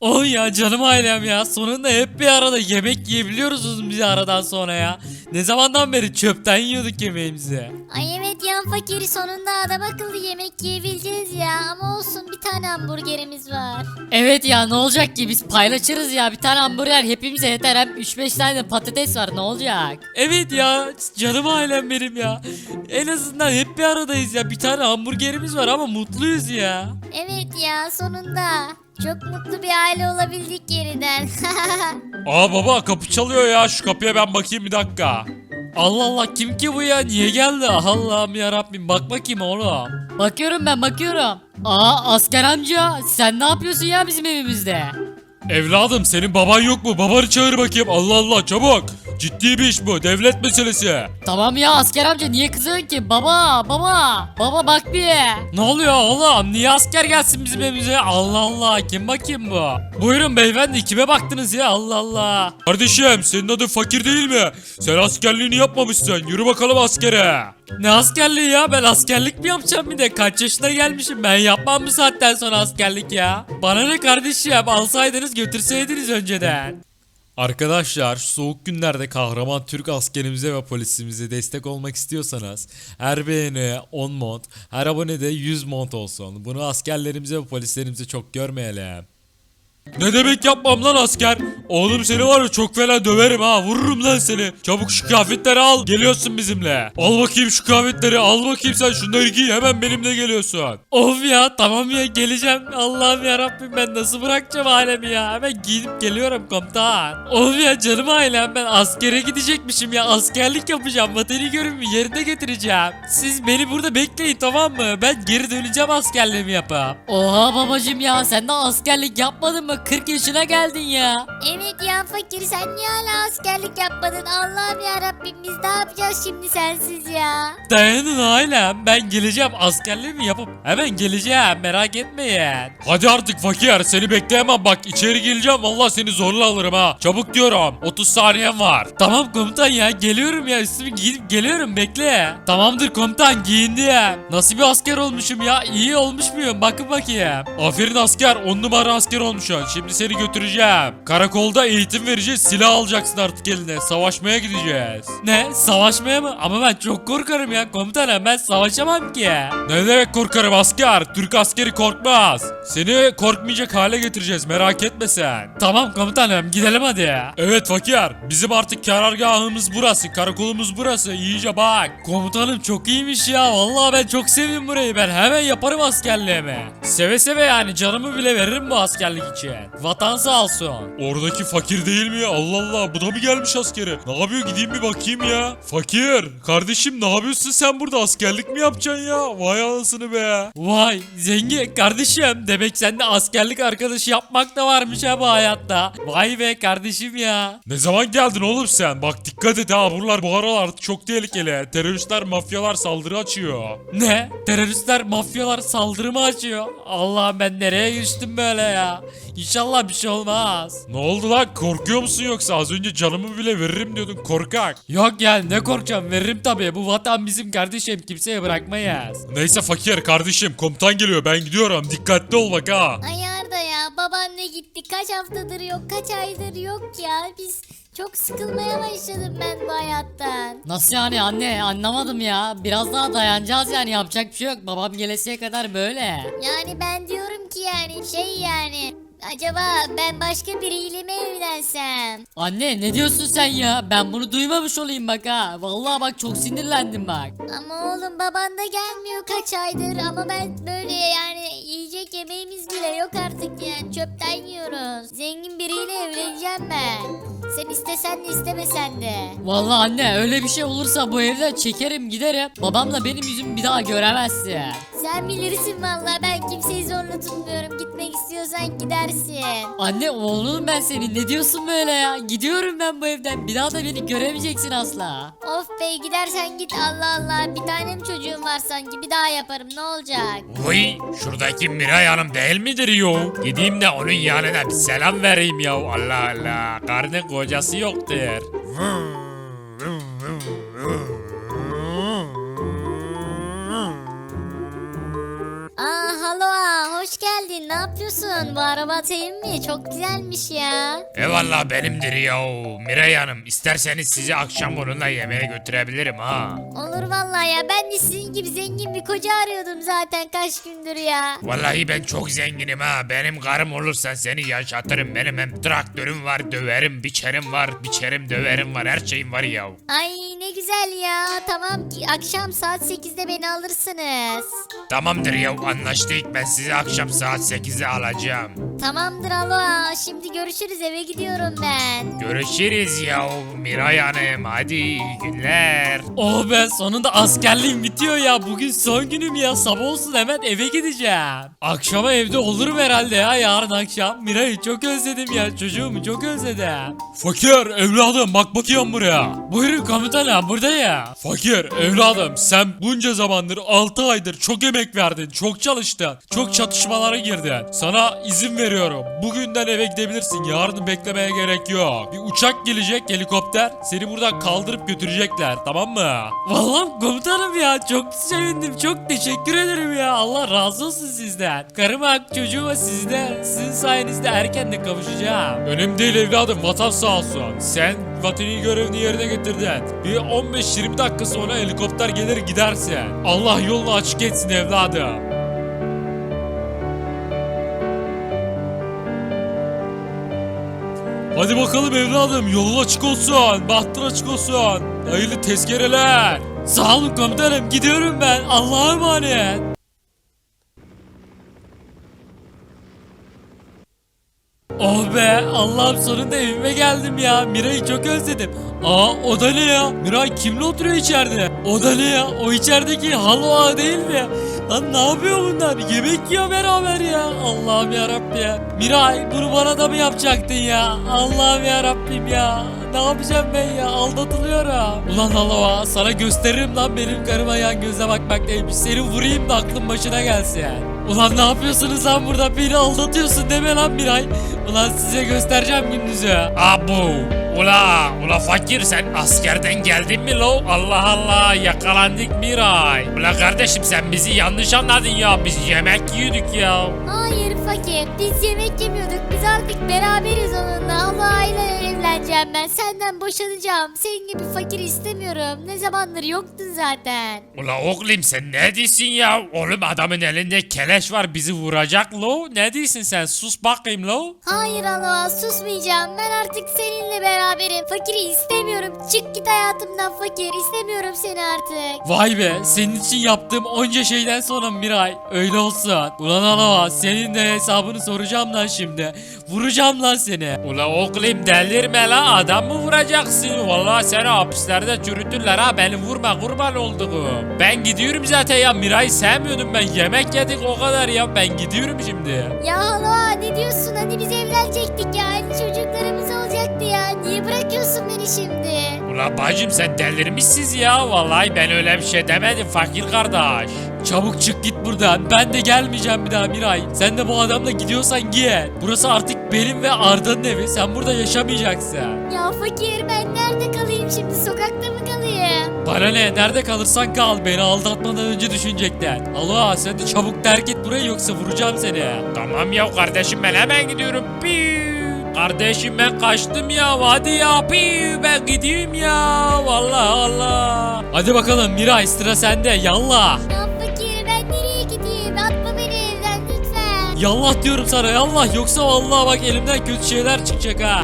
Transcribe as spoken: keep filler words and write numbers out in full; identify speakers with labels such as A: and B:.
A: Oh ya canım ailem ya. Sonunda hep bir arada yemek yiyebiliyoruz uzun bir aradan sonra ya. Ne zamandan beri çöpten yiyorduk yemeğimizi.
B: Ay evet ya fakiri sonunda adam akıllı yemek yiyebileceğiz ya. Ama olsun bir tane hamburgerimiz var.
C: Evet ya ne olacak ki biz paylaşırız ya bir tane hamburger hepimize yeter hem üç beş tane de patates var ne olacak?
A: Evet ya canım ailem benim ya. En azından hep bir aradayız ya. Bir tane hamburgerimiz var ama mutluyuz ya.
B: Evet ya sonunda. Çok mutlu bir aile olabildik yeniden.
D: Aa baba kapı çalıyor ya, şu kapıya ben bakayım bir dakika.
A: Allah Allah kim ki bu ya? Niye geldi? Allah'ım ya Rabbim bak bakayım oğlum.
C: Bakıyorum ben bakıyorum. Aa asker amca sen ne yapıyorsun ya bizim evimizde?
D: Evladım senin baban yok mu? Babanı çağır bakayım. Allah Allah çabuk. Ciddi bir iş bu, devlet meselesi.
C: Tamam ya asker amca niye kızıyorsun ki? Baba baba baba bak bir.
A: Ne oluyor oğlum? Niye asker gelsin bizim evimize? Allah Allah kim bakayım bu? Buyurun beyefendi kime baktınız ya? Allah Allah.
D: Kardeşim senin adın Fakir değil mi? Sen askerliğini yapmamışsın. Yürü bakalım askere.
A: Ne askerliği ya? Ben askerlik mi yapacağım bir de? Kaç yaşına gelmişim? Ben yapmam bu saatten sonra askerlik ya. Bana ne kardeşim? Alsaydınız götürseydiniz önceden. Arkadaşlar şu soğuk günlerde kahraman Türk askerimize ve polisimize destek olmak istiyorsanız her beğeni on mont, her abone de yüz mont olsun. Bunu askerlerimize ve polislerimize çok görmeyelim.
D: Ne demek yapmam lan asker? Oğlum seni var ya çok fena döverim ha, vururum lan seni. Çabuk şu kıyafetleri al, geliyorsun bizimle. Al bakayım şu kıyafetleri, al bakayım sen şunları giy, hemen benimle geliyorsun.
A: Of ya tamam ya geleceğim. Allah'ım ya Rabbim ben nasıl bırakacağım ailemi ya? Hemen giyinip geliyorum komutan. Of ya canım ailem ben askere gidecekmişim ya. Askerlik yapacağım. Vatani görevimi yerine getireceğim. Siz beni burada bekleyin tamam mı? Ben geri döneceğim askerliğimi yapıp.
C: Oha babacım ya sen de askerlik yapmadın mı? kırk yaşına geldin ya.
B: Evet ya fakir sen niye hala askerlik yapmadın? Allah'ım ya Rabbim biz ne yapacağız şimdi sensiz ya?
A: Dayanın ailem ben geleceğim askerliğimi yapıp hemen geleceğim merak etmeyin.
D: Hadi artık Fakir, seni bekleyemem bak, içeri geleceğim vallahi seni zorla alırım ha. Çabuk diyorum, otuz saniyen var.
A: Tamam komutan ya geliyorum ya üstümü giyinip geliyorum bekle. Tamamdır komutan giyindim. Nasıl bir asker olmuşum ya iyi olmuş muyum bakın bakayım.
D: Aferin asker, on numara asker olmuşsun. Şimdi seni götüreceğim. Karakolda eğitim vereceğiz, silah alacaksın artık eline. Savaşmaya gideceğiz.
A: Ne savaşmaya mı? Ama ben çok korkarım ya komutanım ben savaşamam ki.
D: Ne demek korkarım asker? Türk askeri korkmaz. Seni korkmayacak hale getireceğiz, merak etme sen.
A: Tamam komutanım gidelim hadi.
D: Evet Fakir, bizim artık karargahımız burası, karakolumuz burası, iyice bak.
A: Komutanım çok iyiymiş ya. Vallahi ben çok sevdim burayı. Ben hemen yaparım askerliğimi. Seve seve yani canımı bile veririm bu askerlik için. Vatan sağ olsun.
D: Oradaki Fakir değil mi ya? Allah Allah, bu da mı gelmiş askere? Ne yapıyor, gideyim bir bakayım ya. Fakir, kardeşim ne yapıyorsun sen burada, askerlik mi yapacaksın ya? Vay anasını be.
A: Vay zengin kardeşim. Demek sende askerlik arkadaşı yapmak da varmış ha bu hayatta. Vay be kardeşim ya.
D: Ne zaman geldin oğlum sen? Bak dikkat et ha, buralar bu aralar çok tehlikeli. Teröristler, mafyalar saldırı açıyor.
A: Ne? Teröristler, mafyalar saldırı mı açıyor? Allah'ım ben nereye düştüm böyle ya? İnşallah bir şey olmaz.
D: Ne oldu lan, korkuyor musun yoksa? Az önce canımı bile veririm diyordun korkak.
A: Yok ya ne korkacağım veririm tabii. Bu vatan bizim kardeşim kimseye bırakmayız.
D: Neyse Fakir kardeşim, komutan geliyor, ben gidiyorum, dikkatli ol bak ha.
B: Ay Arda ya baban ne gitti kaç haftadır yok kaç aydır yok ya biz çok sıkılmaya başladım ben bu hayattan.
C: Nasıl yani anne anlamadım ya. Biraz daha dayanacağız yani yapacak bir şey yok. Babam gelesiye kadar böyle.
B: Yani ben diyorum ki yani şey yani acaba ben başka biriyle mi evlensem?
C: Anne ne diyorsun sen ya? Ben bunu duymamış olayım bak ha. Vallahi bak çok sinirlendim bak.
B: Ama oğlum baban da gelmiyor kaç aydır ama ben böyle yani yiyecek yemeğimiz bile yok artık yani çöpten yiyoruz. Zengin biriyle evleneceğim ben. Sen istesen de istemesen de.
C: Vallahi anne öyle bir şey olursa bu evden çekerim giderim. Babamla benim yüzümü bir daha göremezsin.
B: Sen bilirsin vallahi ben kimseyi zorla tutmuyorum. Gitmek istiyorsan gidersin.
C: Anne oğlum ben senin ne diyorsun böyle ya? Gidiyorum ben bu evden. Bir daha da beni göremeyeceksin asla.
B: Of be gidersen git Allah Allah. Bir tanem çocuğum var sanki bir daha yaparım ne olacak?
D: Uy, şuradaki Miray Hanım değil midir yo? Gideyim de onun yanına bir selam vereyim ya. Allah Allah, karnı kocası yoktur.
B: Aa halo aa, hoş geldin. geldin. Ne yapıyorsun? Bu araba senin mi? Çok güzelmiş ya.
D: Eyvallah benimdir ya. Miray Hanım isterseniz sizi akşam onunla yemeğe götürebilirim ha.
B: Olur vallahi ya. Ben de sizin gibi zengin bir koca arıyordum zaten kaç gündür ya.
D: Vallahi ben çok zenginim ha. Benim karım olursan seni yaşatırım. Benim hem traktörüm var, döverim, biçerim var, biçerim, döverim var. Her şeyim var ya.
B: Ay ne güzel ya. Tamam ki akşam saat sekizde beni alırsınız.
D: Tamamdır ya anlaştık. Ben sizi akşam saat sekizde alacağım.
B: Tamamdır alo. Şimdi görüşürüz, eve gidiyorum ben.
D: Görüşürüz ya Miray Hanım. Hadi iyi günler.
A: Oh be, sonunda askerliğim bitiyor ya. Bugün son günüm ya. Sabah olsun hemen eve gideceğim. Akşama evde olurum herhalde ya, yarın akşam. Miray'ı çok özledim ya. Çocuğumu çok özledim.
D: Fakir evladım bak bakayım buraya.
A: Buyurun komutanım, buradayım.
D: Fakir evladım sen bunca zamandır altı aydır çok emek verdin, çok çalıştın, çok çatışmalara girdin. Sana izin veriyorum. Bugünden eve gidebilirsin. Yarını beklemeye gerek yok. Bir uçak gelecek, helikopter. Seni buradan kaldırıp götürecekler, tamam mı?
A: Vallahi komutanım ya, çok sevindim, çok teşekkür ederim ya. Allah razı olsun sizden. Karıma, çocuğuma, sizde, sizin sayenizde erken de kavuşacağım.
D: Önemli değil evladım, vatan sağ olsun. Sen vatani görevini yerine getirdin. Bir on beş yirmi dakika sonra helikopter gelir gidersin. Allah yolunu açık etsin evladım. Hadi bakalım evladım, yolun açık olsun, bahtın açık olsun. Hayırlı tezkereler.
A: Sağ olun komutanım, gidiyorum ben. Allah'a emanet. Oh be, Allah'ım sonunda evime geldim ya. Miray'ı çok özledim. Aa, o da ne ya? Miray kimle oturuyor içeride? O da ne ya? O içerideki Halo ağa değil mi? Lan ne yapıyor bunlar? Yemek yiyor beraber ya. Allah'ım yarabbim ya. Miray, bunu bana da mı yapacaktın ya? Allah'ım yarabbim ya. Ne yapacağım ben ya? Aldatılıyorum. Ulan Halo ağa, sana gösteririm lan benim karıma yan göze bakmak neymiş. Seni vurayım da aklın başına gelsin. Ulan ne yapıyorsunuz lan burada? Beni aldatıyorsun deme lan Miray. Ulan size göstereceğim gündüzü.
D: Abu. Ula, ula fakir sen askerden geldin mi lo? Allah Allah yakalandık Miray. Ula kardeşim sen bizi yanlış anladın ya. Biz yemek yiyorduk ya.
B: Hayır fakir, biz yemek yemiyorduk. Biz artık beraberiz onunla. Allah'ıyla evleneceğim ben. Senden boşanacağım. Senin gibi fakir istemiyorum. Ne zamandır yoktun zaten.
D: Ula oğlum sen ne diyorsun ya? Oğlum adamın elinde keleş var bizi vuracak lo. Ne diyorsun sen? Sus bakayım lo.
B: Hayır Allah, susmayacağım. Ben artık seninle beraberim. Fakiri istemiyorum. Çık git hayatımdan fakir. İstemiyorum seni artık.
A: Vay be, senin için yaptığım onca şeyden sonra Miray. Öyle olsun. Ulan Halo, senin de hesabını soracağım lan şimdi. Vuracağım lan seni.
D: Ula oğlum delirme la adam mı vuracaksın? Vallahi seni hapislerde çürütürler ha beni vurma kurban olduğum. Ben gidiyorum zaten ya Miray'ı sevmiyordum ben yemek yedik o kadar ya ben gidiyorum şimdi.
B: Ya Allah, ne diyorsun? Hani biz evlenecektik ya. Hani çocuklarımız olacaktı ya. Niye bırakıyorsun beni şimdi?
D: Ula bacım sen delirmişsiniz ya vallahi ben öyle bir şey demedim fakir kardeş.
A: Çabuk çık git buradan. Ben de gelmeyeceğim bir daha Miray. Sen de bu adamla gidiyorsan git. Burası artık benim ve Arda'nın evi. Sen burada yaşamayacaksın.
B: Ya fakir, ben nerede kalayım şimdi? Sokakta mı kalayım?
A: Bana ne? Nerede kalırsan kal. Beni aldatmadan önce düşünecektin. Allah, sen de çabuk terk et burayı yoksa vuracağım seni.
D: Tamam ya kardeşim ben hemen gidiyorum. Piu. Kardeşim ben kaçtım ya hadi ya piu ben gidiyorum ya vallahi Allah.
A: Hadi bakalım Miray, sıra sende. Yallah.
B: Ya fakir, ben nereye gideyim? Atma beni evden lütfen.
A: Yallah diyorum sana, yallah. Yoksa vallahi bak elimden kötü şeyler çıkacak ha.